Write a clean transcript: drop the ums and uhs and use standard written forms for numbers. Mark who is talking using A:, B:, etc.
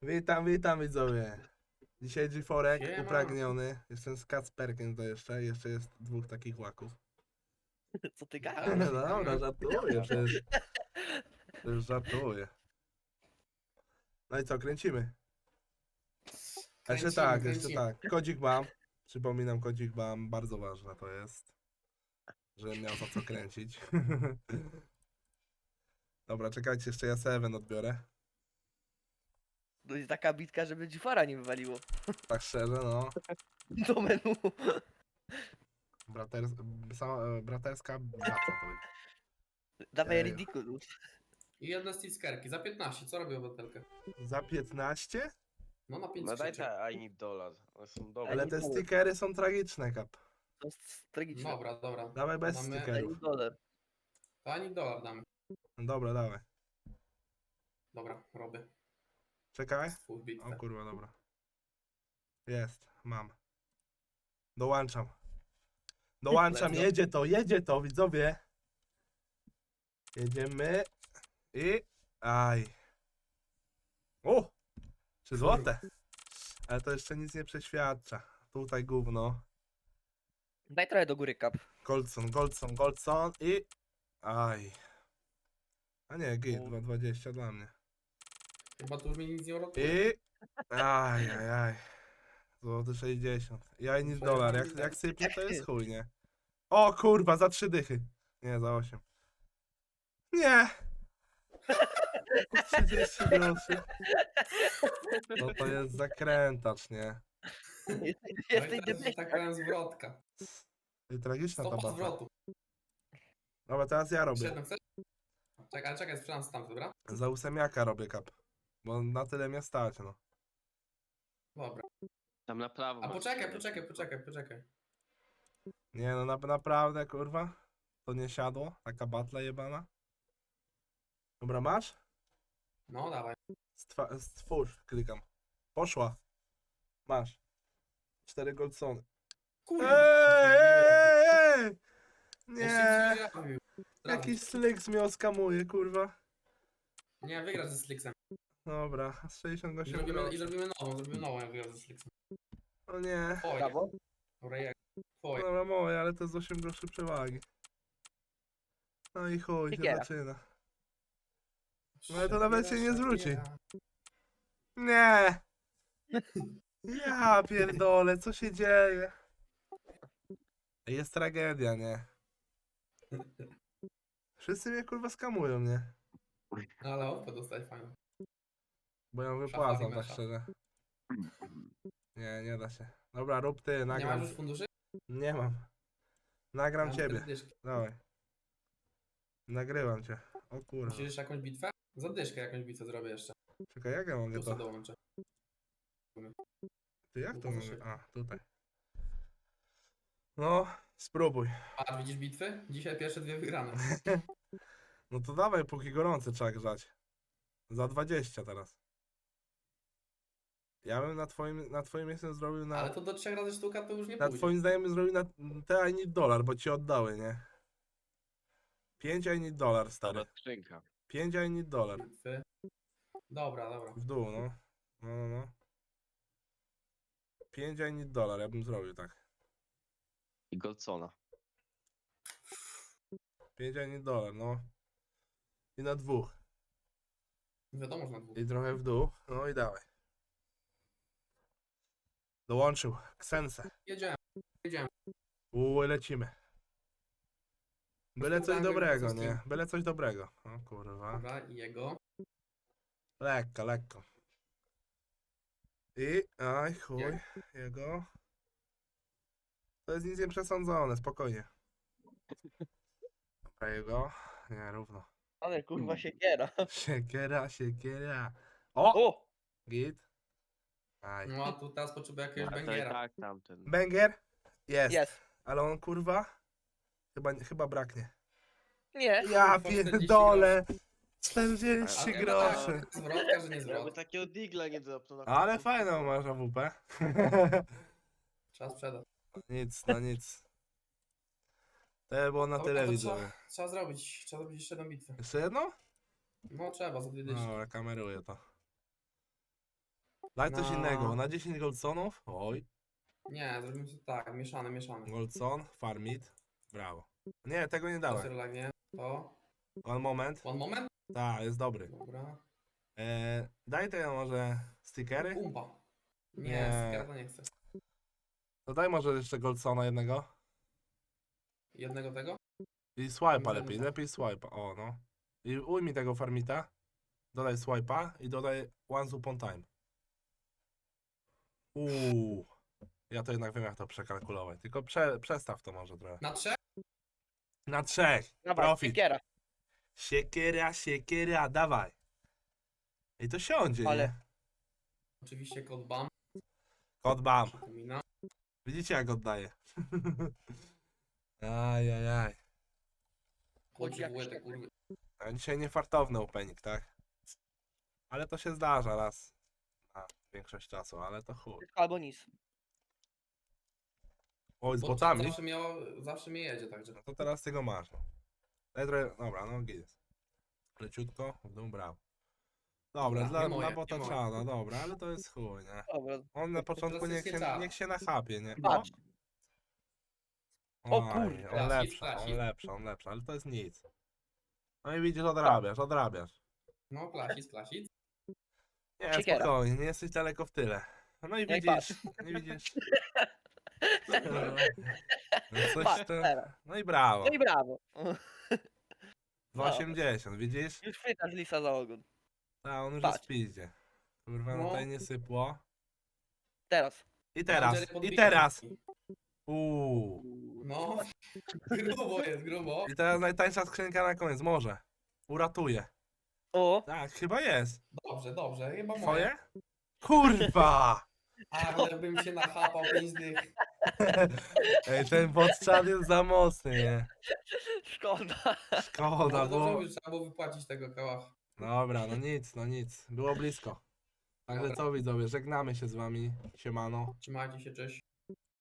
A: Witam widzowie. Dzisiaj G4
B: Siema.
A: upragniony. Jestem z Kacperkiem to jeszcze. Jeszcze jest dwóch takich łaków.
C: Co ty
B: Dobra,
C: gadasz?
A: No
B: witamy.
A: dobra, żartuję, przecież żartuję. No i co, kręcimy? Jeszcze tak. Kodzik mam. Przypominam, kodzik mam. Bardzo ważne to jest. Żebym miał za co kręcić. Dobra, czekajcie, jeszcze ja Seven odbiorę.
C: To jest taka bitka, żeby Dzifara nie wywaliło.
A: Tak szczerze, no.
C: Do menu.
A: Braters braterska baca to będzie.
C: Dawaj
A: Ejo.
C: Ridiculous.
B: I jedne stickerki za 15. Co robię obywatelkę?
A: Za 15?
B: No na 5
D: No daj
B: skrzyczek.
D: te I need dollar. One są dobre.
A: Ale
C: nie
A: te
C: było.
A: stickery są tragiczne, Kap.
C: To jest tragiczne.
B: Dobra.
A: Dawaj bez
B: Damy-
A: stickerów.
C: $1.
B: To ani dolar damy.
A: Dobra, dawaj.
B: Dobra, robię.
A: Czekaj.
B: Swój bitwę.
A: O kurwa, dobra. Jest, mam. Dołączam. Dołączam,
C: Let's go.
A: jedzie to, widzowie. Jedziemy. I... Aj. O! 3 złote. Ale to jeszcze nic nie przeświadcza. Tutaj gówno.
C: Daj trochę do góry, Kap.
A: Goldson i... Aj. A nie, git,
C: U.
A: 2,20 dla mnie.
B: Chyba tu już mi nic nie uratuje.
A: I... Aj. Złoty 60. Ja i nic dolar. Jak sypnie, to jest chuj, nie? O kurwa, za 3 dychy. Nie, za 8. Nie! 30 groszy. No to jest zakrętacz, nie?
C: Jesteś
B: Tak
C: debilem.
B: powiem zwrotka.
A: I tragiczna ta
B: Stopa
A: bacha.
B: zwrotu.
A: Dobra, teraz ja robię.
B: 7 chcesz? Czekaj, sprzedam stamtąd, dobra?
A: Za ósemiaka robię kap. Bo na tyle mnie stać, no.
B: Dobra.
D: Tam na prawo.
B: A
D: masz
B: poczekaj.
A: Nie no, naprawdę, kurwa. To nie siadło. Taka batla jebana. Dobra, masz?
B: No dawaj.
A: Stwórz, klikam. Poszła. Masz. 4 goldsony.
B: Kurwa.
A: Ej!
B: Ja
A: Nie!
B: się zrobił.
A: Jakiś slick mnie oskamuje, kurwa.
B: Nie, wygrasz ze Slixem.
A: Dobra, z
B: I
A: 68
B: zrobimy
A: groszy.
B: zrobimy nową, jak wygrasz ze Slixem.
A: O nie.
B: Twoje.
C: Brawo.
B: Dobra, jak? Twoje.
A: Dobra, moje, ale to jest 8 groszy przewagi. No i chuj, się
C: Siekiera.
A: zaczyna. No ale to nawet się nie zwróci.
B: Szakiera.
A: Nie! Ja pierdolę, co się dzieje? Jest tragedia, nie? Wszyscy mnie kurwa skamują, nie?
B: No ale opę dostać fajną.
A: Bo ja wypłacam,
B: Szafari
A: tak
B: mesza.
A: szczerze. Nie da się. Dobra, rób ty,
B: Nie
A: nagram.
B: masz już funduszy?
A: Nie mam. Nagram
B: Mam
A: ciebie.
B: 4 dyszki.
A: Dawaj. Nagrywam cię. O kurwa.
B: Musisz jeszcze jakąś bitwę? Za dyszkę jakąś bitwę zrobię jeszcze.
A: Czekaj, jak ja mogę
B: Plusa
A: to?
B: dołączę.
A: Ty jak to
B: Bardzo
A: mogę?
B: szybko.
A: A, tutaj. No, spróbuj.
B: A widzisz bitwy? Dzisiaj pierwsze 2 wygrane.
A: No to dawaj, póki gorący trzeba grzać. Za 20 teraz. Ja bym na twoim miejscu zrobił
B: Ale
A: na...
B: to do 3 razy sztuka to już nie
A: Na
B: pójdzie.
A: twoim znajomym zrobił na te I need dollar, bo ci oddały, nie? 5 I need dollar, stary.
D: Dobra, skrzynka.
A: 5 I need dollar.
B: Bitwy. Dobra.
A: W dół, no. No. 5 I need dollar, ja bym zrobił tak.
D: I Goldsona.
A: 5 I need dollar, no. I na dwóch.
B: Wiadomo, że na 2.
A: I trochę w dół. No i dawaj. Dołączył. Ksense.
B: Jedziemy.
A: Lecimy. Byle coś
B: Spróbujmy
A: dobrego,
B: coś
A: nie? Byle coś dobrego. O kurwa.
B: Dobra, i jego.
A: Lekko. I... Aj, chuj.
B: Jak?
A: Jego. To jest nic nieprzesądzone, spokojnie. Dobra, jego. Nie, równo.
C: Ale kurwa siekiera.
A: Siekiera. O!
C: O!
A: Git. Aj.
B: No a tu teraz potrzebuję jakiegoś
D: A to i
B: bangera.
D: tak tamten.
A: Banger? Jest.
C: Jest.
A: Ale on kurwa? Chyba braknie.
C: Nie.
A: Ja
B: Kurwa, 40
A: pierdolę. 40
D: Ale-
A: groszy.
B: Zwrotka, że nie
D: Jakby
B: zwrot.
D: takiego digla nie dropnął na
A: Ale
D: końcu.
A: fajną masz AWP.
B: Trzeba sprzedać.
A: Nic, no nic. To było na
B: Dobra,
A: tyle,
B: to
A: widzowie.
B: Trzeba zrobić jeszcze jedną bitwę.
A: Jeszcze jedno?
B: No trzeba, za 2 dyszki.
A: Dobra, kameruję to. Daj coś
B: No.
A: innego. Na 10 goldsonów. Oj.
B: Nie, zrobimy to tak, mieszany.
A: Goldson, farmit. Brawo. Nie, tego nie
B: To
A: dawaj.
B: serlagnie. To.
A: One moment.
B: One moment?
A: Tak, jest dobry.
B: Dobra.
A: Daj tego może stickery.
B: Pumpa. Nie,
A: Nie.
B: stickera to nie chcę.
A: To daj może jeszcze goldsona jednego.
B: Jednego tego?
A: I swipe'a
B: Może
A: lepiej,
B: tak.
A: lepiej swipe'a. O no. I ujmij tego farmita. Dodaj swipe'a i dodaj once upon time. Ja to jednak wiem jak to przekalkulować. Tylko przestaw to może trochę.
B: Na 3?
A: Na 3.
C: Dawaj,
A: Profit.
C: siekiera.
A: Siekiera, dawaj. I to siądzie,
C: Ale-
A: nie?
B: Oczywiście kod BAM.
A: Kod bam.
B: Przypomina.
A: Widzicie jak oddaje. Ajajaj.
B: Chodzi
C: jak
B: w łeb,
C: szczepy.
B: kurwy.
A: A dzisiaj niefartowny opening, tak? Ale to się zdarza raz na większość czasu, ale to chuj.
C: Albo nic.
A: Oj, z
B: Bo
A: botami?
B: zawsze mnie jedzie, także.
A: No to teraz tego masz. No. Daj trochę, dobra, no git. Leciutko, w dół, brawo. Dobra,
B: Dobra, nie moje,
A: dla bota
B: nie moje.
A: czada, dobra, ale to jest chuj, nie?
C: Dobra.
A: On na początku
B: teraz jest nie czada.
A: niech się nachapie, nie?
C: Patrz. O
A: Oj,
C: kurde.
A: on lepszy, on lepszy, ale to jest nic. No i widzisz, odrabiasz.
B: No, klasic.
A: Nie,
C: Siekiera.
A: spokojnie, nie jesteś daleko w tyle. No i
C: No i
A: widzisz, nie widzisz. No, coś
C: Patrz,
A: to...
C: teraz.
A: No i brawo.
C: No i brawo.
A: 2,80, widzisz?
C: Już chwytasz lisa za ogon.
A: A on już
C: Patrz.
A: jest w piździe. Kurwa, no
B: No.
A: tutaj nie sypło.
C: Teraz.
A: I teraz,
B: Jerry podbija
A: i teraz.
B: wszystkich.
A: Uuu.
B: No, grubo.
A: I teraz najtańsza skrzynka na koniec, może. Uratuje.
C: O,
A: Tak, chyba jest.
B: Dobrze, chyba moje.
A: Twoje? Kurwa!
B: Ale bym się nachapał 5 dych.
A: Ej, ten podczad jest za mocny, nie?
C: szkoda.
A: Szkoda,
B: No, dobrze
A: bo...
B: mówisz, trzeba było wypłacić tego kałacha.
A: Dobra, no nic. Było blisko. Także
B: Dobra.
A: co widzowie, żegnamy się z wami. Siemano.
B: Trzymajcie się, cześć.